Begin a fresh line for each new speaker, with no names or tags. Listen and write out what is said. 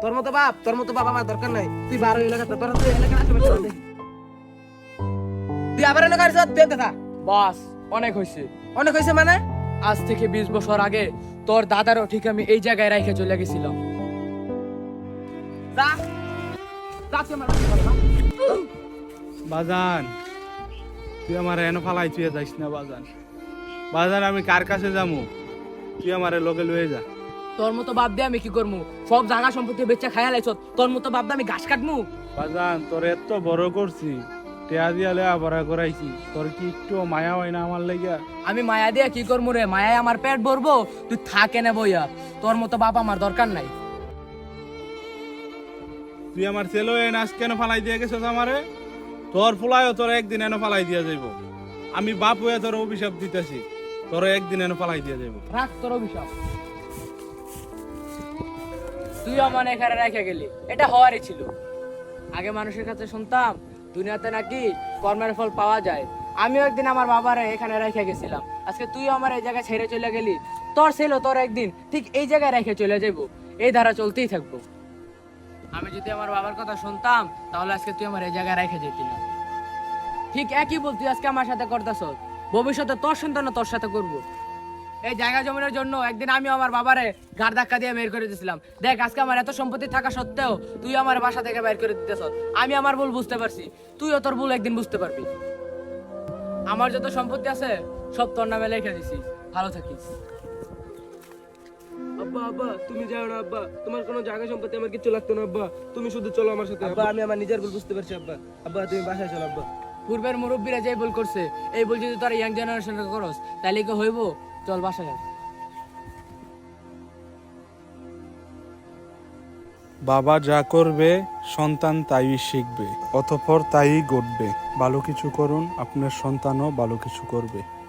তোর মতো বাপ আমার দরকার নাই। তুই 12 এলাকাতে তোর তুই এলাকা আশেপাশে চল দে। তুই আবার এলাকা আসছ তুই দেখা।
বাস অনেক হয়েছে।
অনেক হইছে মানে?
আজ থেকে 20 বছর আগে তোর দাদারও ঠিক আমি এই জায়গায় রেখে চলে গেছিলাম।
যা যা তুই আমার
বাজান তুই আমার এনে ফালাই তুই যাইস না বাজান। বাজান আমি কার কাছে যামু? তুই আমারে লগে লয়ে যা।
তোর মতো বাপ দিয়ে আমি কি করবো? সব জায়গা সম্পত্তি বেচা খায়া লাইছ। তোর মতো বাপ দিয়ে আমি ঘাস কাটমু?
বাজান তোর এত বড় করছি, টেয়া দিয়া লেয়া বড়া করাইছি, তোর কি একটু মায়া হয় না আমার লাগিয়া?
আমি মায়া দিয়ে কি করবো রে? মায়ায় আমার পেট ভরবো? তুই থাকে না বইয়া। তোর মতো বাপ আমার দরকার নাই।
তুই আমার ছেলে এনে আজ কেন ফালাই দিয়ে গেছিস আমারে? তোর ফুলায়ও তোর একদিন এনে ফালাই দিয়া যাইব। আমি বাপ হয়ে তোর অভিশাপ দিতেছি, তোর একদিন এনে ফালাই দিয়া যাইব।
রাখ তোর অভিশাপ। তুই আমার এখানে রেখে গেলি, এটা হওয়ারই ছিল। আগে মানুষের কাছে শুনতাম দুনিয়াতে নাকি কর্মের ফল পাওয়া যায়। আমিও একদিন আমার বাবারে এখানে রেখে গেছিলাম। আজকে তুই আমার এই জায়গায় ছেড়ে চলে গেলি। তোর ছিল তোর একদিন ঠিক এই জায়গায় রেখে চলে যাবো। এই ধারা চলতেই থাকবো। আমি যদি আমার বাবার কথা শুনতাম তাহলে আজকে তুই আমার এই জায়গায় রেখে যেতি না। ঠিক একই বল তুই আজকে আমার সাথে করতেছ। ভবিষ্যতে তোর সন্তান তোর সাথে করবো। এই জায়গা জমিনের জন্য একদিন আমি আমার বাবারে ঘাড় ধাক্কা দিয়ে বের করে দিয়েছিলাম। দেখ আজকে আমার এত সম্পত্তি থাকা সত্ত্বেও তুই আমার বাসা থেকে বের করে দিতেছ। আমি আমার ভুল বুঝতে পারছি, তুইও তোর ভুল একদিন বুঝতে পারবি। আমার যত সম্পত্তি আছে সব তোর নামে লিখে দিছি। ভালো থাকিস।
আব্বা তুমি যাও না আব্বা, তোমার কোনো জায়গা সম্পত্তি আমার কিছু লাগতো না আব্বা, তুমি শুধু চলো আমার সাথে আব্বা। আমি আমার নিজের ভুল বুঝতে পারছি আব্বা তুমি বাসায় চলো আব্বা।
পূর্বের মুরব্বীরা যে ভুল করছে এই ভুল যদি তোর ইয়াং জেনারেশন করস তাহলে কি হইব? চল বাসায় যা।
বাবা যা করবে সন্তান তাই শিখবে, অতঃপর তাই ঘটবে। ভালো কিছু করুন, আপনার সন্তানও ভালো কিছু করবে।